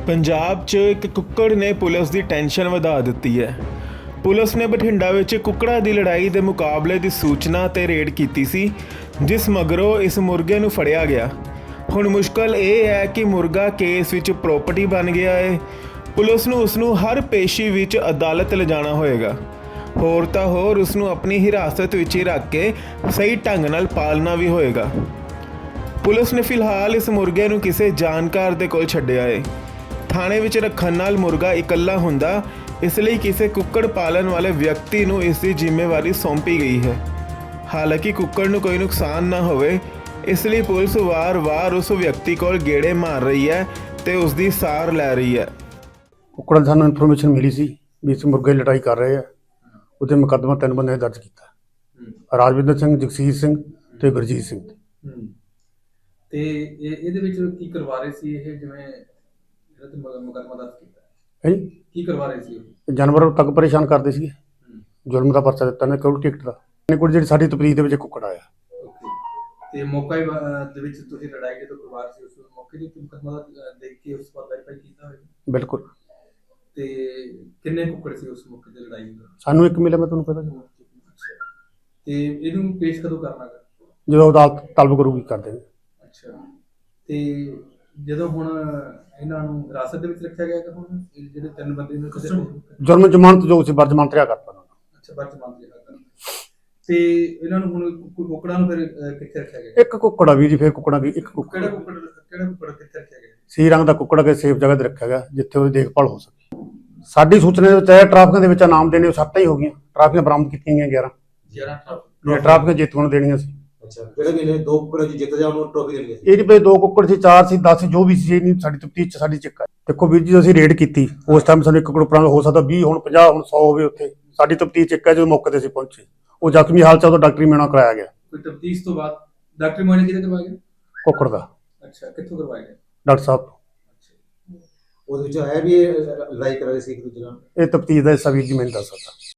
ਪੰਜਾਬ 'ਚ ਇੱਕ ਕੁੱਕੜ ਨੇ ਪੁਲਿਸ ਦੀ ਟੈਨਸ਼ਨ ਵਧਾ ਦਿੱਤੀ ਹੈ। ਪੁਲਿਸ ਨੇ ਬਠਿੰਡਾ ਵਿੱਚ ਕੁੱਕੜਾਂ ਦੀ ਲੜਾਈ ਦੇ ਮੁਕਾਬਲੇ ਦੀ ਸੂਚਨਾ ਤੇ ਰੇਡ ਕੀਤੀ ਸੀ, ਜਿਸ ਮਗਰੋਂ ਇਸ ਮੁਰਗੇ ਨੂੰ ਫੜਿਆ ਗਿਆ। ਹੁਣ ਮੁਸ਼ਕਲ ਇਹ ਹੈ ਕਿ ਮੁਰਗਾ ਕੇਸ ਵਿੱਚ ਪ੍ਰੋਪਰਟੀ ਬਣ ਗਿਆ ਹੈ। ਪੁਲਿਸ ਨੂੰ ਉਸ ਨੂੰ ਹਰ ਪੇਸ਼ੀ ਵਿੱਚ ਅਦਾਲਤ ਲਿਜਾਣਾ ਹੋਏਗਾ। ਹੋਰ ਤਾਂ ਹੋਰ ਉਸ ਨੂੰ ਆਪਣੀ ਹਿਰਾਸਤ ਵਿੱਚ ਹੀ ਰੱਖ ਕੇ ਸਹੀ ਢੰਗ ਨਾਲ ਪਾਲਣਾ ਵੀ ਹੋਏਗਾ। ਪੁਲਿਸ ਨੇ ਫਿਲਹਾਲ ਇਸ ਮੁਰਗੇ ਨੂੰ ਕਿਸੇ ਜਾਣਕਾਰ ਦੇ ਕੋਲ ਛੱਡਿਆ ਹੈ। ਥਾਣੇ ਵਿੱਚ ਰੱਖਣ ਨਾਲ ਮੁਰਗਾ ਇਕੱਲਾ ਹੁੰਦਾ, ਇਸ ਲਈ ਕਿਸੇ ਕੁੱਕੜ ਪਾਲਣ ਵਾਲੇ ਵਿਅਕਤੀ ਨੂੰ ਇਸ ਦੀ ਜ਼ਿੰਮੇਵਾਰੀ ਸੌਂਪੀ ਗਈ ਹੈ। ਹਾਲਾਂਕਿ ਕੁੱਕੜ ਨੂੰ ਕੋਈ ਨੁਕਸਾਨ ਨਾ ਹੋਵੇ, ਇਸ ਲਈ ਪੁਲਿਸ ਵਾਰ-ਵਾਰ ਉਸ ਵਿਅਕਤੀ ਕੋਲ ਗੇੜੇ ਮਾਰ ਰਹੀ ਹੈ ਤੇ ਉਸ ਦੀ ਸਾਰ ਲੈ ਰਹੀ ਹੈ। ਕੁੱਕੜਾਂ ਦੀ ਸਾਨੂੰ ਇਨਫੋਰਮੇਸ਼ਨ ਮਿਲੀ ਸੀ ਵੀ ਇਸ ਮੁਰਗੇ ਲੜਾਈ ਕਰ ਰਹੇ ਆ। ਉਹਦੇ ਮੁਕੱਦਮਾ 3 ਬੰਦੇ ਦਰਜ ਕੀਤਾ, ਰਾਜਵਿੰਦਰ ਸਿੰਘ, ਜਗਸੀਰ ਸਿੰਘ ਤੇ ਗੁਰਜੀਤ ਸਿੰਘ। ਤੇ ਇਹਦੇ ਵਿੱਚ ਕੀ ਕਰਵਾ ਰਹੇ ਸੀ ਇਹ, ਜਿਵੇਂ ਜਿਹੜਾ ਤੇ ਮੁਕੱਦਮਾ ਦਰਜ ਕੀਤਾ ਹੈ ਕੀ ਕਰਵਾ ਰਹੇ ਸੀ ਉਹ? ਜਾਨਵਰ ਤੱਕ ਪਰੇਸ਼ਾਨ ਕਰਦੇ ਸੀਗੇ। ਜ਼ੁਲਮ ਦਾ ਪਰਚਾ ਦਿੱਤਾ ਨੇ ਕਰੋੜ ਟਿਕਟ ਦਾ। ਕੋਈ ਜਿਹੜੀ ਸਾਡੀ ਤਪਰੀਦ ਦੇ ਵਿੱਚ ਕੁੱਕੜ ਆਇਆ। ਤੇ ਮੌਕਾ ਦੇ ਵਿੱਚ ਤੁਸੀਂ ਲੜਾਈ ਜਦੋਂ ਕਰਵਾ ਰਹੇ ਸੀ, ਉਸ ਮੌਕੇ ਦੇ ਉੱਤੇ ਮੁਕੱਦਮਾ ਦੇਖ ਕੇ ਉਸ ਪਰ ਵੈਰੀਫਾਈ ਕੀਤਾ ਹੋਵੇਗਾ? ਬਿਲਕੁਲ। ਤੇ ਕਿੰਨੇ ਕੁੱਕੜ ਸੀ ਉਸ ਮੌਕੇ ਤੇ ਲੜਾਈ ਦਾ? ਸਾਨੂੰ ਇੱਕ ਮਿਲਿਆ, ਮੈਂ ਤੁਹਾਨੂੰ ਪਤਾ। ਤੇ ਇਹਨੂੰ ਪੇਸ਼ ਕਦੋਂ ਕਰਨਾ ਗਾ? ਜਦੋਂ ਅਦਾਲਤ ਤਲਬ ਕਰੂਗੀ ਕਰ ਦੇਣਗੇ। ਅੱਛਾ, ਤੇ ਜਦੋਂ ਹੁਣ ਇਹਨਾਂ ਨੂੰ ਹਿਰਾਸਤ ਦੇ ਵਿੱਚ ਰੱਖਿਆ ਗਿਆ ਕਿ ਹੁਣ ਜਿਹੜੇ 3 ਬੰਦੇ ਨੂੰ ਜੁਰਮ ਜ਼ਮਾਨਤ ਜੋ ਸੀ ਬਰਜ਼ਮਾਨਤ ਰਿਹਾ ਕਰਤਾ। ਅੱਛਾ, ਬਰਜ਼ਮਾਨਤ ਰਿਹਾ ਕਰਤਾ। ਤੇ ਇਹਨਾਂ ਨੂੰ ਹੁਣ ਕੁੱਕੜਾਂ ਨੂੰ ਫਿਰ ਕਿੱਥੇ ਰੱਖਿਆ ਗਿਆ? ਇੱਕ ਕੁੱਕੜ ਆ ਵੀ ਜੀ, ਫਿਰ ਕੁੱਕੜਾਂ ਦੀ ਇੱਕ ਕੁੱਕੜ। ਕਿਹੜਾ ਕੁੱਕੜ ਕਿੱਥੇ ਰੱਖਿਆ ਗਿਆ? ਸੀ ਰੰਗ ਦਾ ਕੁੱਕੜ ਕੇ ਸੇਫ ਜਗ੍ਹਾ ਤੇ ਰੱਖਿਆ ਗਿਆ ਜਿੱਥੇ ਉਹਦੀ ਦੇਖਭਾਲ ਹੋ ਸਕੇ। ਸਾਡੀ ਸੂਚਨਾ ਦੇ ਵਿੱਚ ਟ੍ਰਾਫਿਕਾਂ ਦੇ ਵਿੱਚ ਨਾਮ ਦੇਣੇ 7 ਹੀ ਹੋ ਗਈਆਂ। ਟ੍ਰਾਫਿਕਾਂ ਬਰਾਮਦ ਕੀਤੀਆਂ ਗਈਆਂ 11 ਟ੍ਰਾਫਿਕਾਂ ਜੇਤੂਆਂ ਨੂੰ ਦੇਣੀਆਂ ਸੀ। ਅੱਛਾ, ਕਿਹੜੇ ਕਿਹੜੇ 2 ਕੁੱਕੜ ਜੀ ਜਿੱਤ ਜਾ ਉਹਨੂੰ ਟਰੋਫੀ ਦੇਣੀ ਸੀ? ਇਹਦੇ ਵਿੱਚ 2 ਕੁੱਕੜ ਸੀ, 4 ਸੀ, 10 ਜੋ ਵੀ ਸੀ। ਇਹ ਨਹੀਂ ਸਾਡੀ ਤਫਤੀਸ਼ ਚ ਸਾਡੀ ਚੱਕਾ। ਦੇਖੋ ਵੀਰ ਜੀ, ਅਸੀਂ ਰੇਡ ਕੀਤੀ ਉਸ ਟਾਈਮ ਸਾਨੂੰ 1 ਕੁੱਕੜ ਉੱਪਰਾਂ ਹੋ ਸਕਦਾ 20 ਹੁਣ 50 ਹੁਣ 100 ਹੋਵੇ। ਉੱਥੇ ਸਾਡੀ ਤਫਤੀਸ਼ ਚ ਇੱਕ ਹੈ, ਜਦੋਂ ਮੌਕੇ ਤੇ ਅਸੀਂ ਪਹੁੰਚੇ ਉਹ ਜ਼ਖਮੀ ਹਾਲਤ ਚ ਉਹਦਾ ਡਾਕਟਰੀ ਮੁਆਇਨਾ ਕਰਾਇਆ ਗਿਆ। ਕੋਈ ਤਫਤੀਸ਼ ਤੋਂ ਬਾਅਦ ਡਾਕਟਰੀ ਮੁਆਇਨਾ ਕਿਹਦੇ ਕਰਵਾਇਆ ਗਿਆ? ਕੁੱਕੜ ਦਾ। ਅੱਛਾ, ਕਿੱਥੋਂ ਕਰਵਾਇਆ ਗਿਆ? ਡਾਕਟਰ ਸਾਹਿਬ। ਉਹਦੇ ਵਿੱਚ ਹੈ ਵੀ ਇਹ ਲੜਾਈ ਕਰ ਰਹੇ ਸੀ ਇੱਕ ਦੂਜੇ ਨਾਲ। ਇਹ ਤਫਤੀਸ਼ ਦਾ ਹਿੱਸਾ ਵੀਰ ਜੀ ਮੈਨੂੰ ਦੱਸ ਸਕਦਾ।